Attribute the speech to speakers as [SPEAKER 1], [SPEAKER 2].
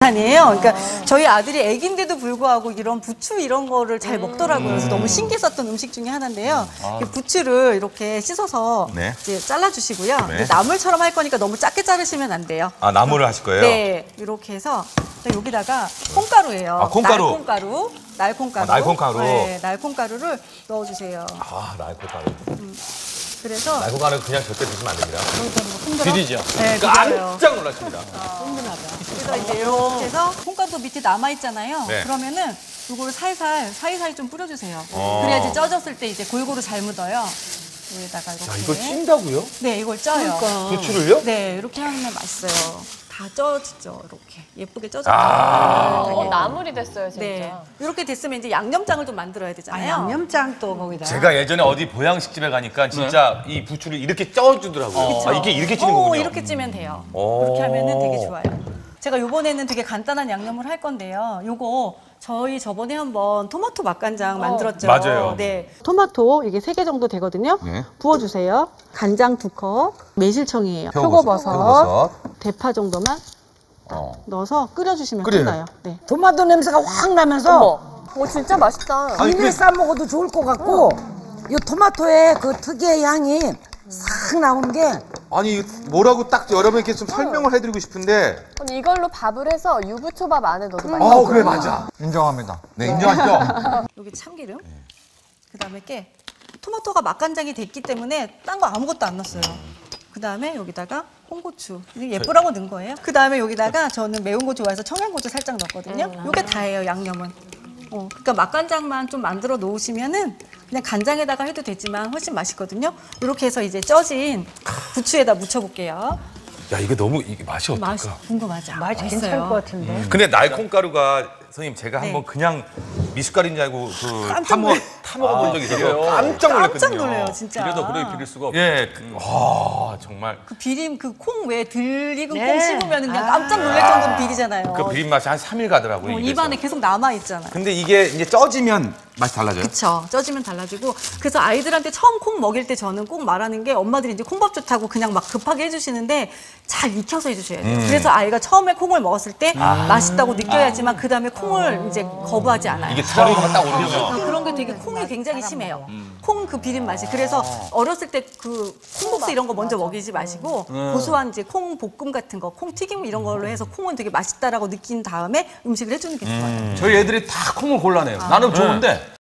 [SPEAKER 1] 아니에요. 그러니까 저희 아들이 애기인데도 불구하고 이런 부추 이런 거를 잘 먹더라고요. 그래서 너무 신기했었던 음식 중에 하나인데요. 부추를 이렇게 씻어서
[SPEAKER 2] 네.
[SPEAKER 1] 이제 잘라주시고요.
[SPEAKER 2] 네.
[SPEAKER 1] 근데 나물처럼 할 거니까 너무 작게 자르시면 안 돼요.
[SPEAKER 2] 아, 나물을 하실 거예요?
[SPEAKER 1] 네, 이렇게 해서 여기다가 콩가루예요.
[SPEAKER 2] 아, 콩가루.
[SPEAKER 1] 날콩가루.
[SPEAKER 2] 날콩가루.
[SPEAKER 1] 네, 날콩가루를 넣어주세요.
[SPEAKER 2] 아, 날콩가루.
[SPEAKER 1] 그래서
[SPEAKER 2] 날콩가루 그냥 절대 드시면 안 됩니다.
[SPEAKER 1] 힘들어?
[SPEAKER 3] 비리죠?
[SPEAKER 1] 네, 비려요.
[SPEAKER 2] 깜짝 놀랐습니다.
[SPEAKER 1] 그래서 이제 이렇게 해서 콩가루 밑에 남아 있잖아요.
[SPEAKER 2] 네.
[SPEAKER 1] 그러면은 이걸 살살 사이사이 좀 뿌려주세요.
[SPEAKER 2] 어.
[SPEAKER 1] 그래야지 쪄졌을 때 이제 골고루 잘 묻어요. 여기다가 이렇게.
[SPEAKER 2] 야, 이걸 찐다고요?
[SPEAKER 1] 네, 이걸 쪄요.
[SPEAKER 2] 부추를요?
[SPEAKER 1] 네, 이렇게 하면 맛있어요. 다 쪄지죠, 이렇게 예쁘게 쪄졌죠.
[SPEAKER 4] 나물이 됐어요, 진짜.
[SPEAKER 1] 네, 이렇게 됐으면 이제 양념장을 좀 만들어야 되잖아요.
[SPEAKER 5] 양념장 또 거기다.
[SPEAKER 2] 제가 예전에 어디 보양식집에 가니까 진짜 이 부추를 이렇게 쪄주더라고요. 아, 이게 이렇게 찌는 거군요.
[SPEAKER 1] 이렇게 찌면 돼요.
[SPEAKER 2] 오.
[SPEAKER 1] 그렇게 하면은 되게 좋아요. 제가 요번에는 되게 간단한 양념을 할 건데요. 요거 저희 저번에 한번 토마토 맛간장 만들었죠.
[SPEAKER 2] 맞아요.
[SPEAKER 1] 네. 토마토 이게 3개 정도 되거든요.
[SPEAKER 2] 네.
[SPEAKER 1] 부어주세요. 간장 2컵, 매실청이에요. 표고버섯, 대파 정도만 넣어서 끓여주시면 끝나요. 네.
[SPEAKER 5] 토마토 냄새가 확 나면서
[SPEAKER 4] 오, 진짜 맛있다.
[SPEAKER 5] 김에 싸 먹어도 좋을 것 같고 이 토마토의 그 특유의 향이 싹 나오는 게
[SPEAKER 6] 아니 뭐라고 딱 여러분께 좀 설명을 해드리고 싶은데
[SPEAKER 4] 아니, 이걸로 밥을 해서 유부초밥 안에 넣어도 맛있어.
[SPEAKER 6] 아 그래 맞아
[SPEAKER 7] 인정합니다.
[SPEAKER 6] 네 인정하시죠?
[SPEAKER 1] 여기 참기름, 그다음에 깨. 토마토가 맛간장이 됐기 때문에 딴 거 아무것도 안 넣었어요. 그다음에 여기다가 홍고추. 이거 예쁘라고 넣은 거예요. 그다음에 여기다가 저는 매운 거 좋아해서 청양고추 살짝 넣었거든요. 이게 다예요, 양념은. 그러니까 맛간장만 좀 만들어 놓으시면은 그냥 간장에다가 해도 되지만 훨씬 맛있거든요. 이렇게 해서 이제 쪄진 부추에다 묻혀볼게요.
[SPEAKER 2] 야, 이게 너무 이게 맛이 어떨까?
[SPEAKER 1] 맛이 궁금하죠?
[SPEAKER 5] 맛이 괜찮을 것 같은데.
[SPEAKER 2] 근데 날콩가루가 선생님 제가
[SPEAKER 1] 네.
[SPEAKER 2] 한번 그냥 미숫가루인 줄 알고 타먹어본 적이 있어요. 깜짝 놀랐거든요.
[SPEAKER 1] 깜짝 놀래요, 진짜.
[SPEAKER 3] 비려도 그래 비릴 수가 없어.
[SPEAKER 2] 예, 와 정말
[SPEAKER 1] 그 비림, 그 콩 왜 들 익은 콩 씹으면 그냥 깜짝 놀랄 정도로 비리잖아요.
[SPEAKER 2] 그 비린 맛이 한 3일 가더라고요. 입에서.
[SPEAKER 1] 입안에 계속 남아있잖아요.
[SPEAKER 2] 근데 이게 이제 쪄지면 맛이 달라져요?
[SPEAKER 1] 그쵸. 쪄지면 달라지고. 그래서 아이들한테 처음 콩 먹일 때 저는 꼭 말하는 게 엄마들이 이제 콩밥 좋다고 그냥 막 급하게 해주시는데 잘 익혀서 해주셔야 돼요. 그래서 아이가 처음에 콩을 먹었을 때 맛있다고 느껴야지만 그 다음에 콩을 이제 거부하지 않아요.
[SPEAKER 2] 이게 트라우마가 딱 오르면
[SPEAKER 1] 그런 게 되게 콩이 굉장히 심해요. 콩 그 비린 맛이. 그래서 어렸을 때 그 콩국수 이런 거 먼저 먹이지 마시고 고소한 이제 콩 볶음 같은 거, 콩 튀김 이런 걸로 해서 콩은 되게 맛있다라고 느낀 다음에 음식을 해주는 게 좋아요.
[SPEAKER 3] 저희 애들이 다 콩을 골라내요. 나는 좋은데